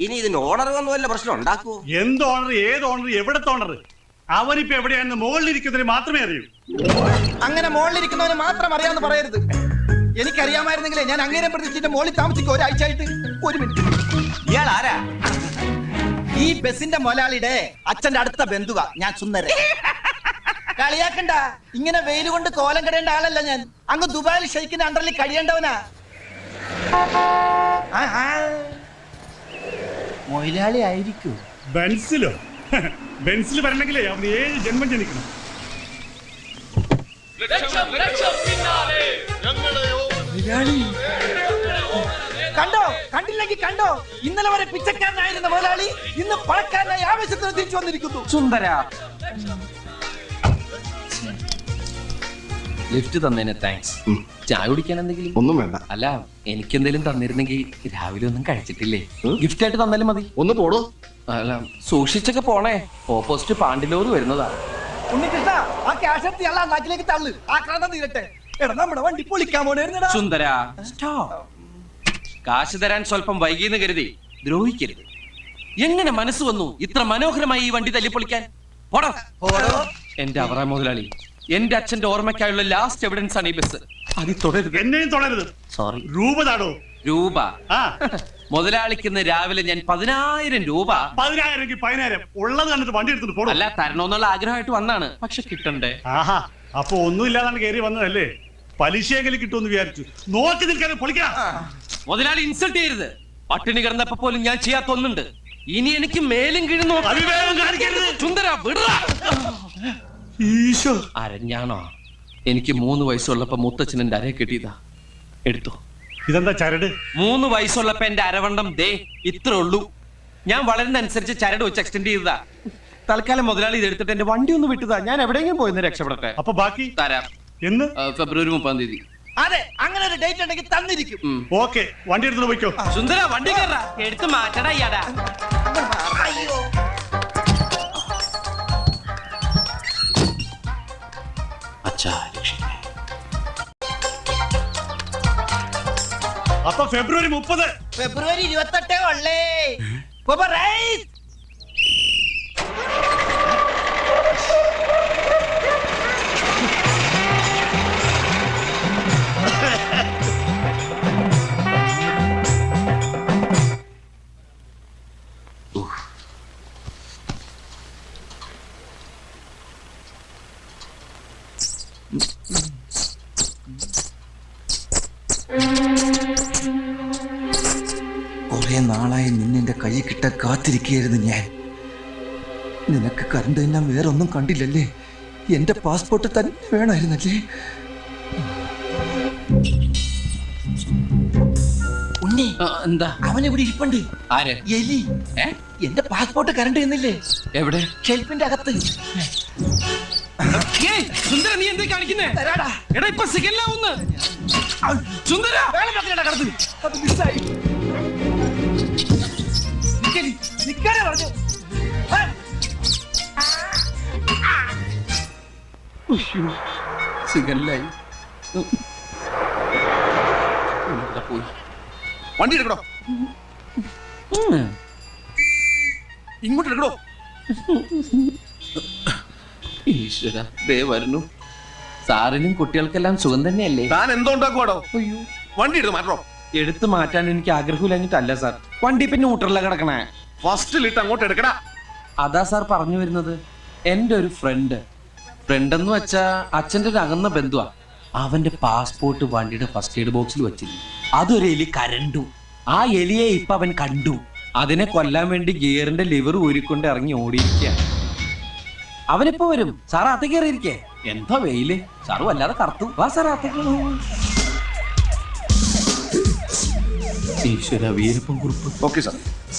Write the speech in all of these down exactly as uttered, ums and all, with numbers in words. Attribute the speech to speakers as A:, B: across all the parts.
A: ഇനി ഇതിന് ഓണർ വന്നു വല്ല പ്രശ്നം ഉണ്ടാക്കുവോ?
B: എന്ത് ഓണർ, ഏത് ഓണർ, എവിടത്തെ ഓണർ? അവനിപ്പോ എവിടെയാണെന്ന് മുകളിലിരിക്കുന്നതിന് മാത്രമേ അറിയൂ.
C: അങ്ങനെ മുകളിലിരിക്കുന്നവന് മാത്രം അറിയാമെന്ന് പറയരുത്. എനിക്കറിയാമായിരുന്നെങ്കിലേ ഞാൻ അങ്ങേരെ പ്രതീക്ഷിച്ചിട്ട് മുകളിൽ താമസിക്കും ഒരാഴ്ച ആയിട്ട്. ഒരു മിനിറ്റ്,
A: ഇയാൾ ആരാ?
C: ഈ ബസിന്റെ മുതലാളിയുടെ അച്ഛന്റെ അടുത്ത ബന്ധുവാ ഞാൻ, സുന്ദരൻ. കളിയാക്കണ്ട, ഇങ്ങനെ വെയിൽ കൊണ്ട് കോലം കിടേണ്ട ആളല്ല ഞാൻ. അങ്ങ് ദുബായിൽ ഷെയ്ഖിന്റെ അണ്ടറിൽ കഴിയേണ്ടവനാ. മൊയിലാളി ആയിരിക്കും.
B: ബെൻസിലോ? ബെൻസിൽ വരണമെങ്കിലേ അവന് ഏഴ് ജന്മം ജനിക്കണം.
C: കണ്ടോ, കണ്ടില്ലെങ്കിൽ കണ്ടോ, ഇന്നലെ വരെ പിച്ചക്കാരനായിരുന്ന മുതലാളി ഇന്ന് പണക്കാരനായി ആവേശത്തിന് തിരിച്ചു വന്നിരിക്കുന്നു.
A: സുന്ദര, ലിഫ്റ്റ് തന്നേനെ താങ്ക്സ്. ചായ കുടിക്കാൻ എന്തെങ്കിലും?
D: ഒന്നും വേണ്ട.
A: അല്ല, എനിക്കെന്തെങ്കിലും തന്നിരുന്നെങ്കിൽ രാവിലെ ഒന്നും കഴിച്ചിട്ടില്ലേ, ഗിഫ്റ്റ് ആയിട്ട് തന്നാലും മതി.
D: ഒന്ന് പോടോ.
A: അല്ല, സൂക്ഷിച്ചൊക്കെ പോണേ, ഓപ്പോസിറ്റ് പാണ്ടിലോറ് വരുന്നതാ.
C: ഉണ്ണികൃഷ്ണ, ആ ക്യാഷ് എടുത്ത് അല്ല നാട്ടിലേക്ക് തള്ളു. ആക്രാന്തം തീരട്ടെ. എടാ, നമ്മുടെ വണ്ടി പൊളിക്കാൻ പോണേരുന്നടാ.
A: സുന്ദര, കാശ് തരാൻ സ്വല്പം വൈകിയെന്ന് കരുതി ദ്രോഹിക്കരുത്. എങ്ങനെ മനസ്സ് വന്നു ഇത്ര മനോഹരമായി ഈ വണ്ടി തല്ലിപ്പൊളിക്കാൻ? എന്റെ അവറ മുതലാളി, എന്റെ അച്ഛന്റെ ഓർമ്മയ്ക്കായുള്ള ലാസ്റ്റ് എവിഡൻസ് ആണ് ഈ ബസ്. അത് തുടരുത്,
B: എന്നെയും തുടരുത്.
A: സോറി.
B: രൂപ താടോ.
A: രൂപ? മുതലാളിക്ക് ഇന്ന് രാവിലെ ഞാൻ പതിനായിരം രൂപ.
B: പതിനായിരം പതിനായിരം ഉള്ളത് കണ്ടിട്ട് വണ്ടി എടുത്തിട്ട് പോടും.
A: അല്ല, തരണോന്നുള്ള ആഗ്രഹമായിട്ട് വന്നാണ്, പക്ഷെ കിട്ടണ്ടേ.
B: ആഹാ, അപ്പൊ ഒന്നും ഇല്ലാതാണ് കയറി വന്നതല്ലേ? പലിശയെങ്കിലും കിട്ടുമെന്ന് വിചാരിച്ചു. നോക്കി നിൽക്കാൻ പൊളിക്കാം.
A: മുതലാളി ഇൻസൾട്ട് ചെയ്യരുത്. പട്ടിണി കിടന്നപ്പോ പോലും ഞാൻ ചെയ്യാത്ത ഒന്നുണ്ട്. ഇനി എനിക്ക് മേലും കീഴും സുന്ദര വിടറാ.
B: ഈശോ,
A: അരഞ്ഞാണോ? എനിക്ക് മൂന്ന് വയസ്സുള്ളപ്പോ മുത്തച്ഛൻ എന്റെ അരയെ കിട്ടിയതാ, എടുത്തോ.
B: ഇതെന്താ ചരട്?
A: മൂന്ന് വയസ്സുള്ളപ്പോ എന്റെ അരവണ്ണം ദേ ഇത്രേ ഉള്ളൂ. ഞാൻ വളരുന്ന അനുസരിച്ച് ചരട് വെച്ച് എക്സ്റ്റെൻഡ് ചെയ്തതാ. തൽക്കാലം മുതലാളി ഇത് എടുത്തിട്ട് എന്റെ വണ്ടി ഒന്ന് വിട്ടതാ. ഞാൻ എവിടെയെങ്കിലും പോയിന്ന് രക്ഷപ്പെടട്ടെ.
B: അപ്പൊ ബാക്കി
A: തരാം.
B: എന്ന്?
A: ഫെബ്രുവരി മുപ്പതാം തീയതി.
C: അതെ, അങ്ങനെ ഒരു ഡേറ്റ് ഉണ്ടെങ്കിൽ തന്നിരിക്കും.
B: ഓക്കെ, വണ്ടി എടുത്തു പോയിക്കോ.
A: സുന്ദര, വണ്ടി കയറാ, എടുത്ത് മാറ്റടാ ഇയാടാ.
C: അയ്യോ,
B: അപ്പൊ ഫെബ്രുവരി മുപ്പത്.
C: ഫെബ്രുവരി ഇരുപത്തെട്ടേ ഉള്ളേ.
E: കുറെ നാളായി നിന്നെ കൈ കിട്ട കാത്തിരിക്കുകയായിരുന്നു ഞാൻ. നിനക്ക് കറണ്ട് ഞാൻ വേറൊന്നും കണ്ടില്ലല്ലേ? എന്റെ പാസ്പോർട്ട് തന്നെ വേണമായിരുന്നല്ലേ?
C: ഉണ്ണി,
A: എന്താ?
C: അവനെവിടെ ഇരിപ്പുണ്ട്.
A: ആര്?
C: എലി. എന്റെ പാസ്പോർട്ട് കറണ്ട് ചെയ്യുന്നില്ലേ?
A: എവിടെ?
C: ഷെൽഫിന്റെ അകത്ത്.
A: സുന്ദര, നീ എന്താ കാണിക്കുന്നേ? എടാ, ഇപ്പൊ സിഗല്ലാവുന്ന്. സുന്ദര,
C: അത് മിസ്സായി. പറഞ്ഞു.
A: സിഗല്ലായി. പോയി.
D: വണ്ടി എടുക്കണോ? ഇങ്ങോട്ട് എടുക്കണോ?
A: ഈശ്വര, ദേ വരുന്നു. സാറിനും കുട്ടികൾക്കെല്ലാം സുഖം തന്നെയല്ലേ?
D: താൻ എന്തോ ഉണ്ടാക്കുവാടോ?
A: അയ്യോ,
D: വണ്ടി എടുത്ത് മാറ്റോ?
A: എടുത്തു മാറ്റാൻ എനിക്ക് ആഗ്രഹമില്ലഞ്ഞിട്ടല്ല സാർ. വണ്ടി പിന്നെ ഊട്ടറില കിടക്കണേ.
D: ഫസ്റ്റിലിട്ട് അങ്ങോട്ട് എടുക്കടാ.
A: അതാ സാർ പറഞ്ഞു വരുന്നത്. എന്റെ ഒരു ഫ്രണ്ട് ഫ്രണ്ട് എന്ന് വെച്ചാ അച്ഛന്റെ ഒരു അകന്ന ബന്ധുവാ. അവന്റെ പാസ്പോർട്ട് വണ്ടിയുടെ ഫസ്റ്റ് എയ്ഡ് ബോക്സിൽ വെച്ചിരുന്നു. അതൊരു എലി കരണ്ടു. ആ എലിയെ ഇപ്പൊ അവൻ കണ്ടു. അതിനെ കൊല്ലാൻ വേണ്ടി ഗിയറിന്റെ ലിവർ ഊരിക്കൊണ്ട് ഇറങ്ങി ഓടിയിരിക്കുക. അവനിപ്പോ വരും. സാർ അകത്തേക്ക് കയറിയിരിക്കേ. എന്താ വെയില്, സാറ് വല്ലാതെ കറുത്തു. വാ സാർ അകത്തേക്ക്. ഈശ്വര, വീരപ്പൻ കുറിപ്പ്.
D: Okay sir.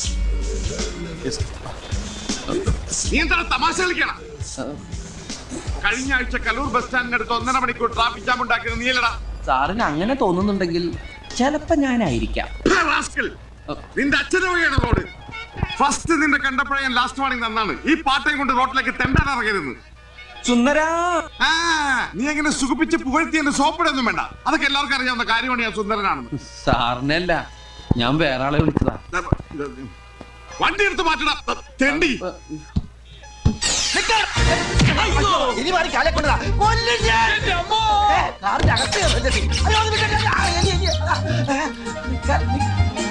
D: നീ എന്താണ് തമാശ കളിക്കണം? കഴിഞ്ഞ ആഴ്ച കലൂർ ബസ് സ്റ്റാൻഡിനടുത്ത് ഒന്നര മണിക്കൂർ ട്രാഫിക് ജാം ഉണ്ടാക്കിയത് നീലടാ.
A: സാറിന് അങ്ങനെ തോന്നുന്നുണ്ടെങ്കിൽ ചിലപ്പോ ഞാനായിരിക്കാം.
D: നിന്റെ അച്ഛനെ വഴിയാണ് റോഡ്. ഫസ്റ്റ് നിന്റെ കണ്ടപ്പോഴേ ഞാൻ ലാസ്റ്റ് വാണിംഗ് തന്നാണ്. ഈ പാട്ടയും കൊണ്ട് റോഡിലേക്ക് തെണ്ടാൻ ഇറങ്ങരുത്.
A: സുന്ദരാ,
D: ആ നീ എങ്ങനെ സുഖിപ്പിച്ച് പുകഴ്ത്തി എന്റെ സോപ്പിടൊന്നും വേണ്ട. അതൊക്കെ എല്ലാവർക്കും അറിയാവുന്ന കാര്യമാണ് ഞാൻ സുന്ദരനാണെന്ന്.
A: സാറിനല്ല, ഞാൻ വേറെ ആളെ വിളിച്ചതാ.
D: വണ്ടി എടുത്ത് മാറ്റടാ തെണ്ടി.
C: ഇനി മാറി കാലെ കൊണ്ടതാ കൊല്ലും ഞാൻ. ഏ, കാറിന്റെ അകത്ത് കയറല്ലേ നീ? അയ്യോ, അത് വിട്ടേക്ക്. ആ, എലി, എലി. ആ, ഏ, ക- നി-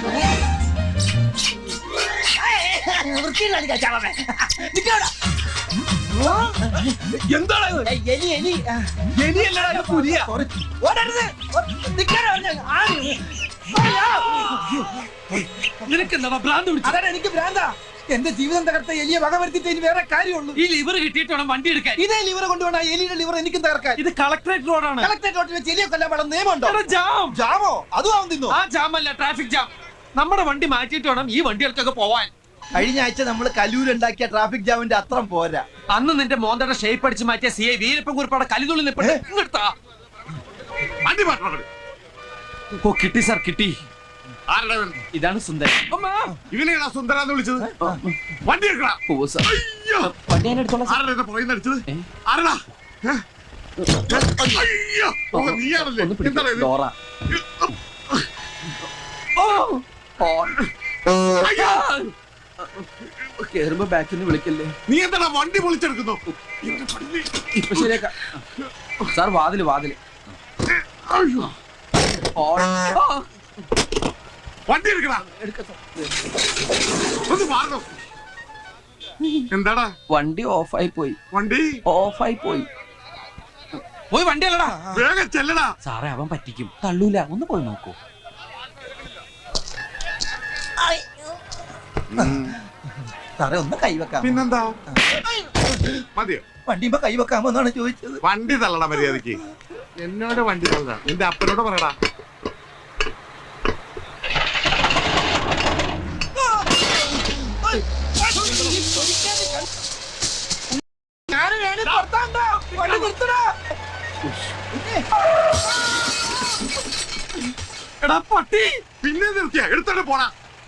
C: ഏ, വൃത്തിയില്ലാണ്ട് കഴിച്ചാവേ. നിക്കവിടെ.
F: എന്താണ്
C: ഏ, എലി എലി ആ,
F: എലിയല്ലടാ പുലിയ.
C: sorry. ഓടരുത്. ഓ, നിക്കാനാ പറഞ്ഞെ. ആ, അയ്യോ.
F: നിനക്ക് എന്താ ഭ്രാന്ത് പിടിച്ചു?
C: അതാണ് എനിക്ക് ഭ്രാന്താ. എന്റെ ജീവിതം തകർത്ത എലിയെ വക വരുത്തിട്ട് ഇനി വേറെ കാര്യമുള്ളൂ.
F: ഈ ലിവർ കിട്ടിയിട്ട് വേണം വണ്ടി എടുക്കാൻ.
C: ഇതേ ലിവർ കൊണ്ടുപോണ എലിയുടെ ലിവർ എനിക്കും തകർക്കാൻ.
F: ഇത് കളക്ടറേറ്റ് റോഡാണ്.
C: കളക്ടറേറ്റ് റോട്ടിൽ വെച്ച് എലിയെ കൊല്ലാൻ പാടുന്ന നിയമമുണ്ടോ?
F: എടാ, ജാം.
C: ജാമോ? അതും ആവും തിന്നോ?
F: ആ ജാം അല്ല, ട്രാഫിക് ജാം. നമ്മുടെ വണ്ടി മാറ്റിയിട്ട് വേണം ഈ വണ്ടികൾക്കൊക്കെ പോവാൻ.
C: കഴിഞ്ഞ ആഴ്ച നമ്മൾ കല്ലൂരുണ്ടാക്കിയ ട്രാഫിക് ജാമിന്റെ അത്രം പോരാ.
F: അന്ന് നിന്റെ മോന്തയുടെ ഷേപ്പ് അടിച്ച് മാറ്റിയ സി ഐ വീരപ്പൻ കുറിപ്പാടെ കലിതുള്ളി നിൽപ്പുണ്ട്. ഇങ്ങെടുത്താ.
D: വണ്ടി മാറ്റണം.
F: ഓ, കിട്ടി സാർ, കിട്ടി.
D: ആരുടെ ഇവൻ?
F: ഇതാണ് സുന്ദരൻ.
D: ഇവനെയാണോ സുന്ദരാന്ന് വിളിച്ചത്? വണ്ടി എടുക്കടാ.
F: ഓ സാർ,
D: അയ്യോ,
F: വണ്ടി ഞാൻ എടുത്തോളാം സാർ.
D: ആരുടെ എന്നെ പുറകിൽ അടിച്ചത്?
F: ഏ?
D: ആരടാ? ഏ? അയ്യോ, ഓ, നീയാണല്ലേ?
F: ഒന്ന് പിടിക്ക്.
D: എന്താണ് ഇത്?
F: ഡോറ.
D: അയ്യോ,
F: കേറുമ്പോ ബാക്കിൽ നിന്ന് വിളിക്കല്ലേ.
D: നീ എന്താണ് വണ്ടി പൊളിച്ചെടുക്കുന്നു? എന്റെ പള്ളി.
F: ഇപ്പൊ ശരിയാക്കാം സാർ. വാതില് വാതില്.
D: അയ്യോ,
F: ഓ, ആ.
D: വണ്ടി എടുക്കടാ.
F: എടുക്കാം സാർ.
D: ഒന്ന് മാറണം. എന്താടാ
F: വണ്ടി ഓഫായി പോയി.
D: വണ്ടി?
F: ഓഫായി പോയി. പോയി വണ്ടി അല്ലടാ.
D: വേഗം ചെല്ലടാ.
F: സാറേ, അവൻ പറ്റിക്കും. തള്ളൂല. ഒന്ന് പോയി നോക്കൂ.
C: സാറേ ഒന്ന് കൈവെക്കാം.
D: പിന്നെന്താ? മതിയോ?
C: വണ്ടിയുമ്പോ കൈവെക്കാമോ എന്നാണ് ചോദിച്ചത്.
D: വണ്ടി തള്ളടാ മര്യാദക്ക്. എന്നോട് വണ്ടി തള്ളടാ. നിന്റെ അപ്പനോട് പറയടാ.
C: ഞാനും വേണേ പുറത്താണ്ടാ. വണ്ടി നിർത്തടാ.
D: എടാ പട്ടി, പിന്നെ നിർത്തിയ എടുത്തോണ്ട് പോടാ.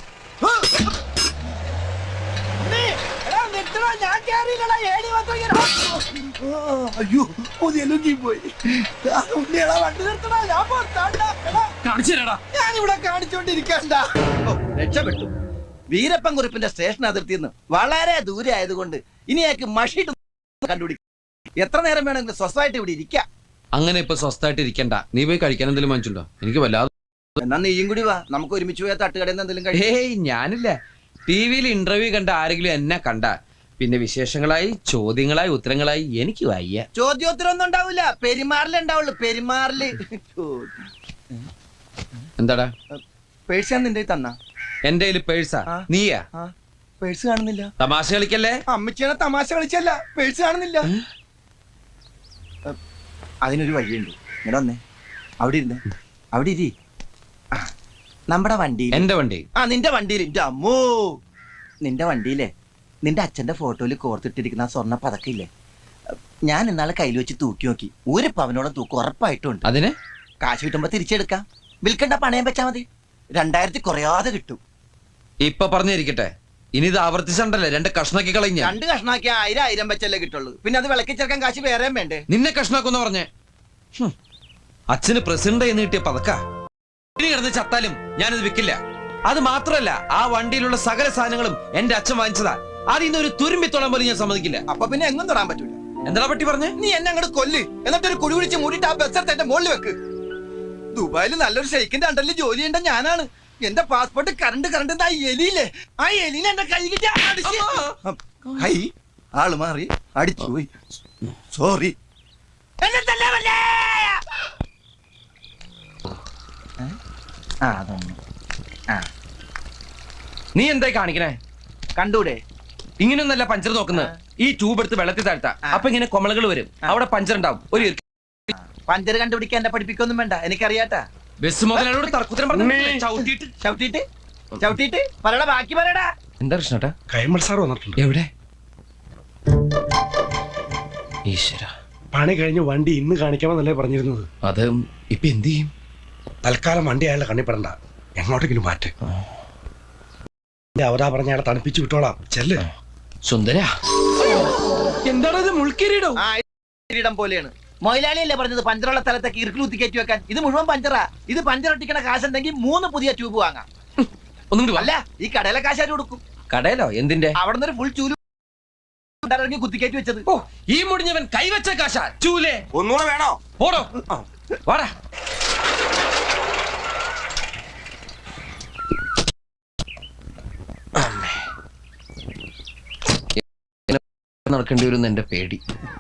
C: ഉണ്ണി, എടാ നിർത്തടാ. ഞാൻ കേറിയില്ലടാ. ഏണി മാത്രം ഇങ്ങനെ. ആ, അയ്യോ, ഒന്നെലുങ്ങി പോയി. ആ, ഉണ്ണിയെടാ വണ്ടി നിർത്തടാ. ഞാൻ പുറത്താണ്ടാ. എടാ,
F: കാണിച്ചു തരാടാ.
C: ഞാനിവിടെ കാണിച്ചോണ്ടിരിക്കണ്ട. ഓ, രക്ഷപ്പെട്ടു. വീരപ്പൻ കുറിപ്പിന്റെ സ്റ്റേഷൻ അതിർത്തിയിൽ നിന്ന് വളരെ ദൂരെ ആയതുകൊണ്ട് ഇനി അയാൾക്ക് മഷിട്ട് കണ്ടുപിടിക്കും. എത്ര നേരം വേണമെങ്കിലും സ്വസ്ഥമായിട്ട് ഇവിടെ ഇരിക്കാം.
A: അങ്ങനെ ഇപ്പൊ സ്വസ്ഥമായിട്ട് ഇരിക്കണ്ട. നീ പോയി കഴിക്കാൻ എന്തെങ്കിലും വാങ്ങിച്ചുണ്ടോ? എനിക്ക് വല്ലാതെ.
C: എന്നാ നീയും കൂടി വാ, നമുക്ക് ഒരുമിച്ച് പോയാൽ തട്ടുകടയിൽ നിന്ന് എന്തെങ്കിലും കഴിക്കാം.
A: ഹേയ്, ഞാനില്ല. ടി വിയിൽ ഇന്റർവ്യൂ കണ്ട ആരെങ്കിലും എന്നെ കണ്ട പിന്നെ വിശേഷങ്ങളായി ചോദ്യങ്ങളായി ഉത്തരങ്ങളായി എനിക്ക് വയ്യ.
C: ചോദ്യോത്തരം ഒന്നും ഉണ്ടാവില്ല, പെരുമാറിലേ ഉണ്ടാവുള്ളൂ. പെരുമാറില്.
A: എന്താടാ?
C: പേഴ്സ് ഞാൻ നിന്റെ തന്ന.
A: എന്റെ കയ്യിൽ പേഴ്സാ?
C: ആ.
A: നീയാ?
C: പേഴ്സ് കാണുന്നില്ല.
A: തമാശ കളിക്കല്ലേ.
C: അമ്മച്ചിയാണ് തമാശ കളിച്ചല്ല, പേഴ്സ് കാണുന്നില്ല. അതിനൊരു വഴിയുണ്ട്. ഇങ്ങനെ വന്നേ, അവിടെ ഇരുന്ന് അവിടെ ഇരി. ആ, നമ്മുടെ വണ്ടി.
A: എന്റെ വണ്ടി?
C: ആ, നിന്റെ വണ്ടിയിൽ. എന്റെ അമ്മോ, നിന്റെ വണ്ടിയിലെ നിന്റെ അച്ഛന്റെ ഫോട്ടോയിൽ കോർത്തിട്ടിരിക്കുന്ന ആ സ്വർണ്ണ പതക്കില്ലേ, ഞാൻ ഇന്നാളെ കയ്യിൽ വെച്ച് തൂക്കി നോക്കി. ഒരു പവനോളം തൂക്കം ഉറപ്പായിട്ടുണ്ട്.
A: അതിന്
C: കാശ് കിട്ടുമ്പോ തിരിച്ചെടുക്കാം. വിൽക്കണ്ട, പണയം വെച്ചാ മതി. രണ്ടായിരത്തി കുറയാതെ കിട്ടും.
A: ഇപ്പൊ പറഞ്ഞിരിക്കട്ടെ, ഇനി ഇത് ആവർത്തിച്ചണ്ടല്ലേ രണ്ട് കഷ്ണാക്കി കളഞ്ഞ.
C: രണ്ട് കഷ്ണാക്കി ആയിരം ആയിരം വെച്ചല്ലേ കിട്ടുള്ളൂ. പിന്നെ അത് വിളക്കി ചേർക്കാൻ കാശ് വേറെയും വേണ്ടേ?
A: നിന്നെ കഷ്ണാക്കൊന്ന് പറഞ്ഞേ. ഹും. അച്ഛന് പ്രസിഡന്റ് എന്ന് കിട്ടിയ പതക്ക. ഇനി കിടന്ന് ചത്താലും ഞാനിത് വിൽക്കില്ല. അത് മാത്രമല്ല, ആ വണ്ടിയിലുള്ള സകല സാധനങ്ങളും എന്റെ അച്ഛൻ വാങ്ങിച്ചതാ. അതിന്ന് ഒരു തുരുമ്പിത്തോളം പോലും ഞാൻ സമ്മതിക്കില്ല.
C: അപ്പൊ പിന്നെ എങ്ങും തൊടാൻ പറ്റൂല.
A: എന്താ പറ്റി പറഞ്ഞേ?
C: നീ എന്നെ അങ്ങോട്ട് കൊല്ല്, എന്നിട്ട് ഒരു കുടി കുടിച്ച് മൂടിയിട്ട് ആ ബസ് എടുത്ത് എന്റെ മുകളിൽ വെക്ക്. ദുബായിൽ നല്ലൊരു ഷെയ്ക്കിന്റെ അണ്ടറിൽ ജോലി ചെയ്യേണ്ട ഞാനാണ്. എന്റെ പാസ്പോർട്ട് കറണ്ട് കറണ്ട് ആ എലിയില്ലേ, ആ എലിനെ എന്റെ കൈ കിട്ടി അടിച്ച്. കൈ ആള് മാറി അടിച്ചു പോയി. സോറി. ആ, അതൊന്നും. ആ,
A: നീ എന്തായി കാണിക്കണേ?
C: കണ്ടൂടെ?
A: ഇങ്ങനെയൊന്നല്ല പഞ്ചർ നോക്കുന്നത്. ഈ ട്യൂബ് എടുത്ത് വെള്ളത്തിൽ താഴ്ത്താ, അപ്പൊ ഇങ്ങനെ കൊമളകൾ വരും. അവിടെ പഞ്ചർ ഉണ്ടാവും. ഒരു
C: പഞ്ചർ കണ്ടുപിടിക്കാൻ എന്നെ പഠിപ്പിക്കൊന്നും വേണ്ട, എനിക്കറിയാട്ടാ.
A: ബസ് മുതലോട് തർക്കുത്തരം പറഞ്ഞു ചവിട്ടിയിട്ട്
C: ചവിട്ടിട്ട് ചവിട്ടിട്ട് പറയടാ, ബാക്കി പറയടാ.
A: എന്താ കൃഷ്ണേട്ടാ?
B: കൈമൾ സാർ വന്നിട്ടുണ്ട്.
A: എവിടെ? ഈശ്വര,
B: പണി കഴിഞ്ഞ് വണ്ടി ഇന്ന് കാണിക്കാമെന്നല്ലേ പറഞ്ഞിരുന്നത്.
A: അത് ഇപ്പൊ എന്ത് ചെയ്യും?
B: തൽക്കാലം വണ്ടി അയാളെ കണ്ണിപ്പെടണ്ട, എങ്ങോട്ടെങ്കിലും മാറ്റ്. അവതാ പറഞ്ഞ അയാളെ തണുപ്പിച്ചു വിട്ടോളാം. ചെല്ല്.
A: സുന്ദര, എന്താണത്? മുൾക്കിരീടോ?
C: ആ, കിരീടം പോലെയാണ്. മൊയിലാളിയല്ലേ പറഞ്ഞത് പഞ്ചറുള്ള സ്ഥലത്തേക്ക് ഇറുക്കിലൂത്തി കയറ്റി വെക്കാൻ. ഇത് മുഴുവൻ പഞ്ചറാ. ഇത് പഞ്ചർ ഒട്ടിക്കണ കാശുണ്ടെങ്കിൽ മൂന്ന് പുതിയ ട്യൂബ് വാങ്ങാം.
A: ഒന്നും
C: അല്ല, ഈ കടയിലെ കാശാര് കൊടുക്കും.
F: കടയിലോ എന്തിന്റെ?
C: അവിടെ നിന്ന് ഫുൾ ചൂല് ഇറങ്ങി കുത്തിക്കയറ്റി വെച്ചത്.
F: ഓ, ഈ മുടിഞ്ഞവൻ കൈവച്ച കാശ ചൂലേ.
C: ഒന്നുകൂടെ വേണോ?
F: പോടോ, വാടാ. നടക്കേണ്ടി വരും എന്റെ പേടി.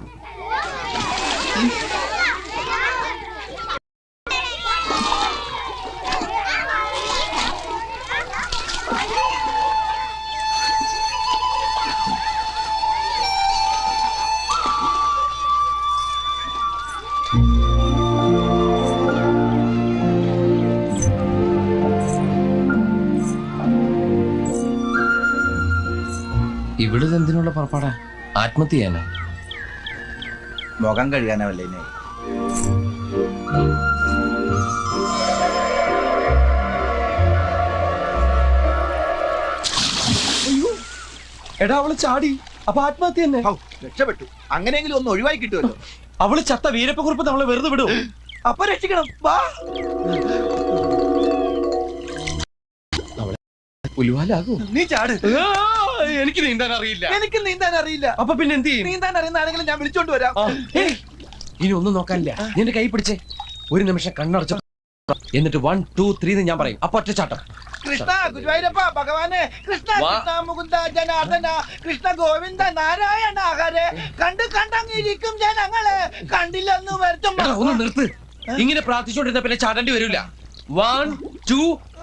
F: ഇവിടെ എന്തിനുള്ള പുറപ്പാടാ? ആത്മഹത്യ ചെയ്യാനോ?
C: മുഖം കഴുകാനല്ലേ?
F: എടാ, അവള് ചാടി. അപ്പൊ ആത്മഹത്യ തന്നെ.
C: രക്ഷപ്പെട്ടു. അങ്ങനെയെങ്കിലും ഒന്ന് ഒഴിവായി കിട്ടുമല്ലോ.
F: അവള് ചത്ത വീരപ്പക്കുറിപ്പ് നമ്മളെ വെറുതെ വിടും.
C: അപ്പൊ രക്ഷിക്കണം. വാ.
F: ഉലുവാലാകൂ.
C: നീ ചാട്.
F: എനിക്ക് നീന്താൻ അറിയില്ല.
C: എനിക്ക് നീന്താൻ അറിയില്ല.
F: അപ്പൊ പിന്നെ എന്ത് ചെയ്യും?
C: നീന്താൻ അറിയുന്ന ആരെങ്കിലും ഞാൻ വിളിച്ചോണ്ട് വരാം.
F: ഏയ്, ഇനി ഒന്നും നോക്കാനില്ല. നിന്റെ കൈ പിടിച്ചേ. ഒരു നിമിഷം കണ്ണടച്ചു. എന്നിട്ട് വൺ ടു ത്രീ എന്ന് ഞാൻ പറയും. അപ്പൊ ഒറ്റച്ചാട്ടം.
C: കൃഷ്ണ ഗുരുവായൂരപ്പ ഭഗവാനെ, കൃഷ്ണ
F: വാ.
C: കൃഷ്ണ മുകുന്ദ ജനാർദ്ദന, കൃഷ്ണ ഗോവിന്ദ നാരായണ ഹരേ. കണ്ട് കണ്ടങ്ങിരിക്കും ജനങ്ങളെ, കണ്ടില്ലെന്ന് വരുത്തും.
F: എടാ, ഒന്ന് നിർത്ത്. ഇങ്ങനെ പ്രാർത്ഥിച്ചുകൊണ്ടിരുന്ന പിന്നെ ചാടേണ്ടി വരില്ല. One two